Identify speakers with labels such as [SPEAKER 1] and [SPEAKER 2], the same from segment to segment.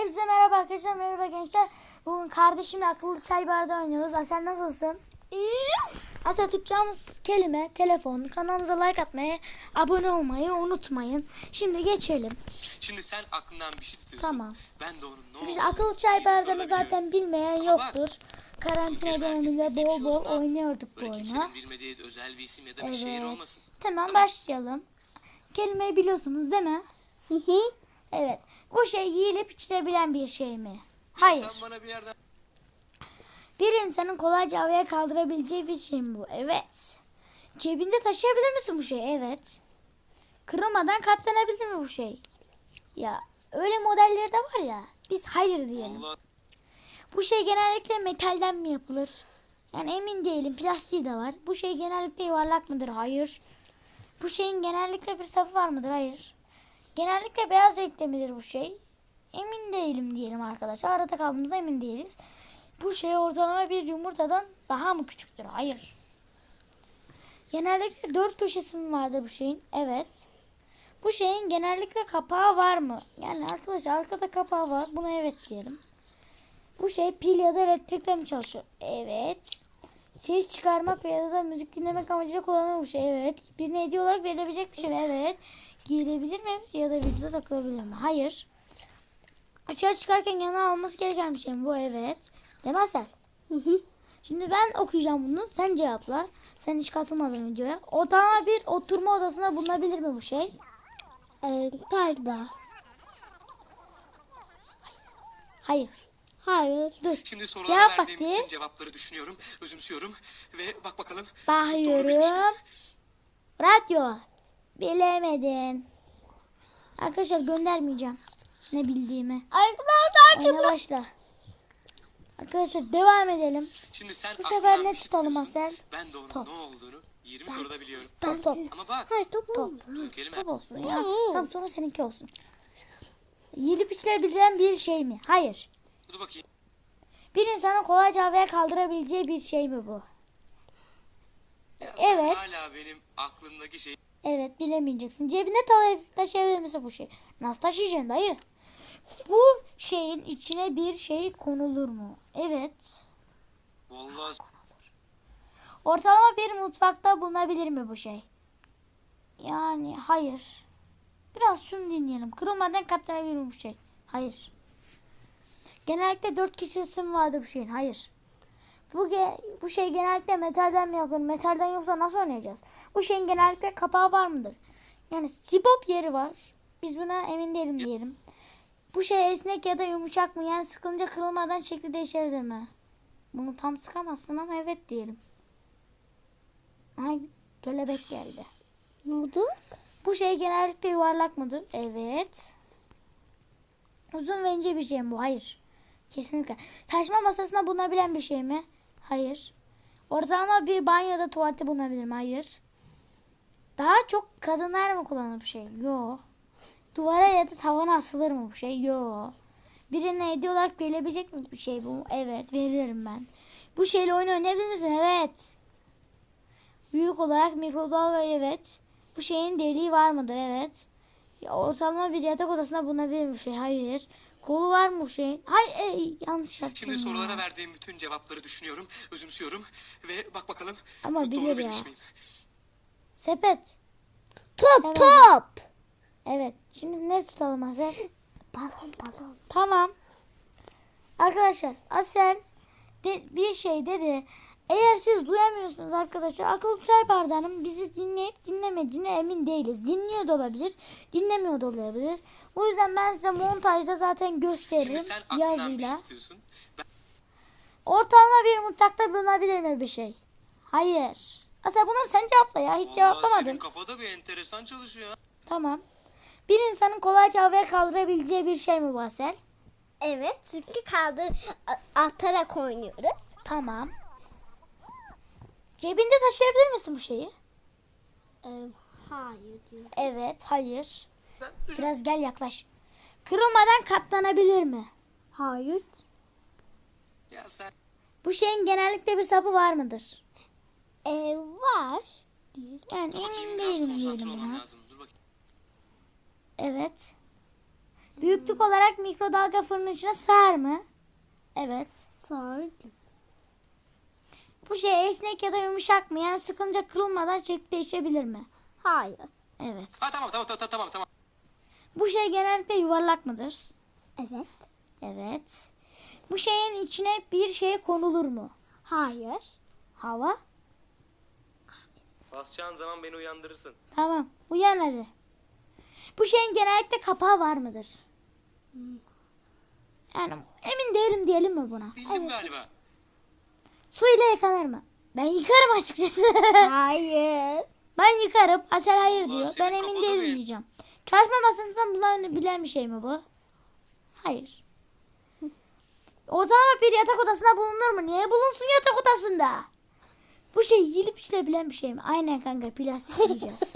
[SPEAKER 1] Hepinize merhaba arkadaşlar, merhaba gençler. Bugün kardeşimle akıllı çay bardağı oynuyoruz. Asel nasılsın?
[SPEAKER 2] İyi.
[SPEAKER 1] Asel, tutacağımız kelime telefon. Kanalımıza like atmayı, abone olmayı unutmayın. Şimdi geçelim.
[SPEAKER 3] Şimdi sen aklından bir şey tutuyorsun.
[SPEAKER 1] Tamam.
[SPEAKER 3] Ben de onun ne
[SPEAKER 1] Biz
[SPEAKER 3] olduğunu
[SPEAKER 1] akıllı çay
[SPEAKER 3] bir soruda
[SPEAKER 1] bardağını
[SPEAKER 3] biliyorum.
[SPEAKER 1] zaten bilmeyen
[SPEAKER 3] Ama
[SPEAKER 1] yoktur. Karantina
[SPEAKER 3] Türkiye'nin
[SPEAKER 1] döneminde
[SPEAKER 3] herkesin bildiği bir
[SPEAKER 1] bol
[SPEAKER 3] şey
[SPEAKER 1] bol
[SPEAKER 3] olsun ha.
[SPEAKER 1] oynuyorduk bu
[SPEAKER 3] Böyle
[SPEAKER 1] oyunu.
[SPEAKER 3] kimsenin bilmediği özel bir isim ya da bir şehir olmasın.
[SPEAKER 1] Tamam, başlayalım. Kelimeyi biliyorsunuz değil mi?
[SPEAKER 2] Hı hı.
[SPEAKER 1] Evet. Bu şey yiyilip içilebilen bir şey mi?
[SPEAKER 3] Ya
[SPEAKER 1] Hayır.
[SPEAKER 3] sen bana bir yerden
[SPEAKER 1] Bir insanın kolayca havaya kaldırabileceği bir şey mi bu? Evet. Cebinde taşıyabilir misin bu şeyi? Evet. Kırılmadan katlanabilir mi bu şey? Ya öyle modelleri de var ya. Biz hayır diyelim.
[SPEAKER 3] Allah
[SPEAKER 1] Bu şey genellikle metalden mi yapılır? Yani emin değilim. Plastiği de var. Bu şey genellikle yuvarlak mıdır? Hayır. Bu şeyin genellikle bir sapı var mıdır? Hayır. Genellikle beyaz renkte midir bu şey? Emin değilim diyelim arkadaşlar. Arada kaldığımızda emin değiliz. Bu şey ortalama bir yumurtadan daha mı küçüktür? Hayır. Genellikle 4 köşesi mi vardır bu şeyin? Evet. Bu şeyin genellikle kapağı var mı? Yani arkadaşlar arkada kapağı var. Buna evet diyelim. Bu şey pil ya da elektrikle mi çalışıyor? Evet. Ses çıkarmak ya da müzik dinlemek amacıyla kullanılan bu şey. Evet. Birine hediye olarak verilebilecek bir şey mi? Evet. Giyilebilir mi? Ya da vücuda takılabilir mi? Hayır. Dışarı çıkarken yanına alması gereken bir şey mi? Bu evet. Demezsen.
[SPEAKER 2] Hı hı.
[SPEAKER 1] Şimdi ben okuyacağım bunu. Sen cevapla. Sen hiç katılmadın videoya. Ortalama bir oturma odasında bulunabilir mi bu şey?
[SPEAKER 2] Galiba.
[SPEAKER 1] Hayır.
[SPEAKER 2] Hayır.
[SPEAKER 1] Dur.
[SPEAKER 3] şimdi
[SPEAKER 1] Cevap
[SPEAKER 3] sorulara verdiğim
[SPEAKER 1] vakti.
[SPEAKER 3] bütün cevapları düşünüyorum, özümsüyorum ve bak bakalım doğru
[SPEAKER 1] Bakıyorum.
[SPEAKER 3] bilmiş miyim?
[SPEAKER 1] Radyo. Bilemedin. Arkadaşlar göndermeyeceğim. Ne bildiğimi.
[SPEAKER 2] Arkadaşlar
[SPEAKER 1] Oyuna başla. Arkadaşlar devam edelim.
[SPEAKER 3] Şimdi sen
[SPEAKER 1] Bu
[SPEAKER 3] aklından
[SPEAKER 1] sefer ne
[SPEAKER 3] bir şey
[SPEAKER 1] tutalım
[SPEAKER 3] tutuyorsun.
[SPEAKER 1] Asel?
[SPEAKER 3] Ben de onun
[SPEAKER 1] Top.
[SPEAKER 3] ne olduğunu 20 soruda biliyorum.
[SPEAKER 1] Top.
[SPEAKER 3] Ama bak
[SPEAKER 2] Hayır top
[SPEAKER 1] Top.
[SPEAKER 2] olmaz.
[SPEAKER 3] bu kelime
[SPEAKER 1] Top olsun ya. Tamam, sonra seninki olsun. Yiyilip içilebilen bir şey mi? Hayır.
[SPEAKER 3] dur bakayım.
[SPEAKER 1] Bir insanın kolayca havaya kaldırabileceği bir şey mi bu?
[SPEAKER 3] Ya sen
[SPEAKER 1] Evet.
[SPEAKER 3] hala benim aklımdaki şey
[SPEAKER 1] Evet, bilemeyeceksin. Cebine taşıyabilir misin bu şey? Nasıl taşıyacaksın dayı? Bu şeyin içine bir şey konulur mu? Evet.
[SPEAKER 3] vallahi
[SPEAKER 1] Ortalama bir mutfakta bulunabilir mi bu şey? Yani hayır. Biraz şunu dinleyelim. Kırılmadan katlanabilir mi bu şey? Hayır. Genellikle 4 kişisi mi vardır bu şeyin? Hayır. Bu şey genellikle metalden mi yapılır? Metalden yoksa nasıl oynayacağız? Bu şeyin genellikle kapağı var mıdır? Yani sibop yeri var. Biz buna emin değilim diyelim. Bu şey esnek ya da yumuşak mı? Yani sıkılınca kırılmadan şekli değişebilir mi? Bunu tam sıkamazsın ama evet diyelim. Ay, kelebek geldi.
[SPEAKER 2] Ne oldu?
[SPEAKER 1] Bu şey genellikle yuvarlak mıdır? Evet. Uzun ve ince bir şey mi bu? Hayır. Kesinlikle. Taşıma masasında bulunabilen bir şey mi? Hayır. Ortalama bir banyoda tuvalette bulunabilir mi? Hayır. Daha çok kadınlar mı kullanır bu şey? Yok. Duvara ya da tavana asılır mı bu şey? Yok. Birine hediye olarak verilebilecek mi bir şey bu? Evet, veririm ben. Bu şeyle oyun oynayabilir misin? Evet. Büyük olarak mikrodalga, evet. Bu şeyin deliği var mıdır? Evet. Ya, ortalama bir yatak odasında bulunabilir mi bu şey? Hayır. Kolu var mı bu şeyin? Hayır, yanlış yaptım.
[SPEAKER 3] şimdi
[SPEAKER 1] ya.
[SPEAKER 3] sorulara verdiğim bütün cevapları düşünüyorum, özümsüyorum ve bak bakalım
[SPEAKER 1] Ama bilir
[SPEAKER 3] doğru
[SPEAKER 1] ya.
[SPEAKER 3] bilmiş miyim?
[SPEAKER 1] Sepet.
[SPEAKER 2] Top
[SPEAKER 1] Evet.
[SPEAKER 2] top.
[SPEAKER 1] Evet. Şimdi ne tutalım Asel?
[SPEAKER 2] Balon.
[SPEAKER 1] Tamam. Arkadaşlar Asel bir şey dedi. Eğer siz duyamıyorsunuz arkadaşlar, akıllı çay bardağının bizi dinleyip dinlemediğine emin değiliz. Dinliyor da olabilir, dinlemiyor da olabilir. O yüzden ben size montajda zaten
[SPEAKER 3] Şimdi
[SPEAKER 1] gösteririm
[SPEAKER 3] sen aklından bir şey
[SPEAKER 1] yazıyla.
[SPEAKER 3] tutuyorsun. Ben
[SPEAKER 1] Ortalama bir mutfakta bulunabilir mi bir şey? Hayır. Asel bunu sen cevapla ya. Hiç
[SPEAKER 3] vallahi
[SPEAKER 1] cevaplamadın.
[SPEAKER 3] senin kafada bir enteresan çalışıyor ha.
[SPEAKER 1] Tamam. Bir insanın kolayca havaya kaldırabileceği bir şey mi bu Asel?
[SPEAKER 2] Evet çünkü atarak oynuyoruz.
[SPEAKER 1] Tamam. Cebinde taşıyabilir misin bu şeyi?
[SPEAKER 2] Hayır diyor.
[SPEAKER 1] Evet, hayır.
[SPEAKER 3] Sen düşün.
[SPEAKER 1] Biraz gel yaklaş. Kırılmadan katlanabilir mi?
[SPEAKER 2] Hayır.
[SPEAKER 3] Ya sen
[SPEAKER 1] Bu şeyin genellikle bir sapı var mıdır?
[SPEAKER 2] Var. Değil.
[SPEAKER 1] Yani
[SPEAKER 3] dur bakayım
[SPEAKER 1] emin
[SPEAKER 3] biraz
[SPEAKER 1] değilim
[SPEAKER 3] konsantre
[SPEAKER 1] diyelim
[SPEAKER 3] olmam
[SPEAKER 1] buna.
[SPEAKER 3] lazım. Dur bakayım.
[SPEAKER 1] Evet. Büyüklük olarak mikrodalga fırının içine sığar mı? Evet.
[SPEAKER 2] Sardım.
[SPEAKER 1] Bu şey esnek ya da yumuşak mı? Yani sıkınca kırılmadan şekli değişebilir mi?
[SPEAKER 2] Hayır.
[SPEAKER 1] Evet.
[SPEAKER 3] Ha tamam.
[SPEAKER 1] Bu şey genellikle yuvarlak mıdır?
[SPEAKER 2] Evet.
[SPEAKER 1] Evet. Bu şeyin içine bir şey konulur mu?
[SPEAKER 2] Hayır.
[SPEAKER 1] Hava?
[SPEAKER 4] Basacağın zaman beni uyandırırsın.
[SPEAKER 1] Tamam. Uyan hadi. Bu şeyin genellikle kapağı var mıdır? Yani emin değilim diyelim mi buna?
[SPEAKER 3] Bildim galiba.
[SPEAKER 1] Su ile yıkanır mı? Ben yıkarım açıkçası.
[SPEAKER 2] Hayır.
[SPEAKER 1] Ben yıkarım. Asel hayır
[SPEAKER 3] Allah,
[SPEAKER 1] diyor.
[SPEAKER 3] senin
[SPEAKER 1] Ben emin
[SPEAKER 3] kafada
[SPEAKER 1] değilim
[SPEAKER 3] bir-
[SPEAKER 1] diyeceğim. Çalışma masasından bulunabilen bir şey mi bu? Hayır. Ortalama bir yatak odasında bulunur mu? Niye bulunsun yatak odasında? Bu şey yiyilip içilebilen bir şey mi? Aynen kanka, plastik yiyeceğiz.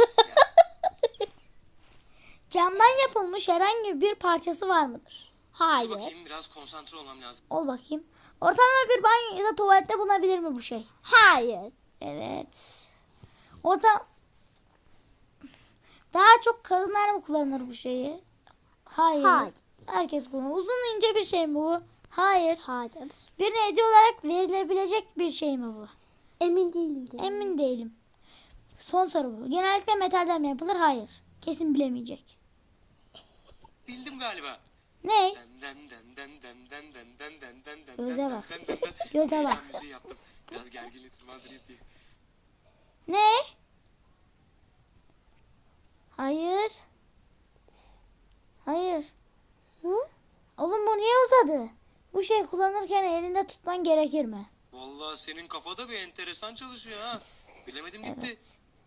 [SPEAKER 1] Camdan yapılmış herhangi bir parçası var mıdır?
[SPEAKER 3] Dur
[SPEAKER 2] Hayır.
[SPEAKER 3] bakayım, biraz konsantre olmam lazım.
[SPEAKER 1] Ol bakayım. Ortalama bir banyo ya da tuvalette bulunabilir mi bu şey?
[SPEAKER 2] Hayır.
[SPEAKER 1] Evet. Orada daha çok kadınlar mı kullanır bu şeyi? Hayır.
[SPEAKER 2] Hayır.
[SPEAKER 1] Herkes kullanır. Uzun ince bir şey mi bu? Hayır.
[SPEAKER 2] Hayır.
[SPEAKER 1] Birine hediye olarak verilebilecek bir şey mi bu?
[SPEAKER 2] Emin değilim.
[SPEAKER 1] Emin değilim. Son soru bu. Genellikle metalden mi yapılır? Hayır. Kesin bilemeyecek.
[SPEAKER 3] Bildim galiba.
[SPEAKER 1] Ne? Göze bak. Göze bak.
[SPEAKER 3] Heyecan müziği yaptım. Biraz gerginliği tırmandırayım diye.
[SPEAKER 1] Ne? Hayır. Hayır. Oğlum bu niye uzadı? Bu şey kullanırken elinde tutman gerekir mi?
[SPEAKER 3] Vallahi senin kafada bir enteresan çalışıyor ha. Bilemedim gitti.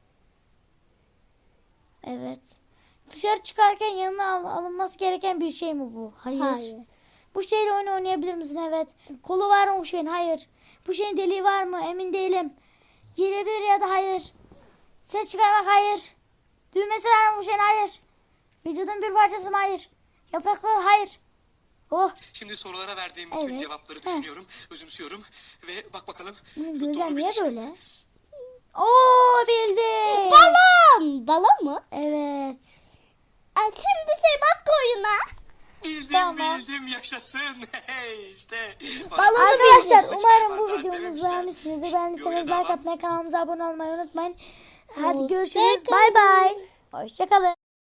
[SPEAKER 1] Evet. Dışarı çıkarken yanına alınması gereken bir şey mi bu? Hayır.
[SPEAKER 2] Hayır.
[SPEAKER 1] Bu şeyle oyun oynayabilir misin? Evet. Kolu var mı bu şeyin? Hayır. Bu şeyin deliği var mı? Emin değilim. Girebilir ya da hayır. Ses çıkarmak? Hayır. Düğmesi var mı bu şeyin? Hayır. Vücudun bir parçası mı? Hayır. Yaprakları? Hayır. Oh.
[SPEAKER 3] Şimdi sorulara verdiğim bütün
[SPEAKER 1] Evet.
[SPEAKER 3] cevapları düşünüyorum, özümsüyorum ve bak bakalım.
[SPEAKER 1] Bunun
[SPEAKER 3] doğru
[SPEAKER 1] gözler niye
[SPEAKER 3] bilmiş miyim?
[SPEAKER 1] böyle? Oo, bildi.
[SPEAKER 2] Balon. Balon mu?
[SPEAKER 1] Evet.
[SPEAKER 2] Şimdi bak oyuna.
[SPEAKER 3] Bildim yaşasın. Hey işte.
[SPEAKER 1] Arkadaşlar
[SPEAKER 3] bildim.
[SPEAKER 1] umarım bu
[SPEAKER 3] Çıkar
[SPEAKER 1] videomuzu
[SPEAKER 3] demişler.
[SPEAKER 1] beğenmişsinizdir. Beğendiyseniz
[SPEAKER 3] Videoya
[SPEAKER 1] like
[SPEAKER 3] devam.
[SPEAKER 1] atmayı, kanalımıza abone olmayı unutmayın. Hadi
[SPEAKER 2] Hoşça
[SPEAKER 1] görüşürüz.
[SPEAKER 2] kalın.
[SPEAKER 1] Bay bay. Hoşçakalın.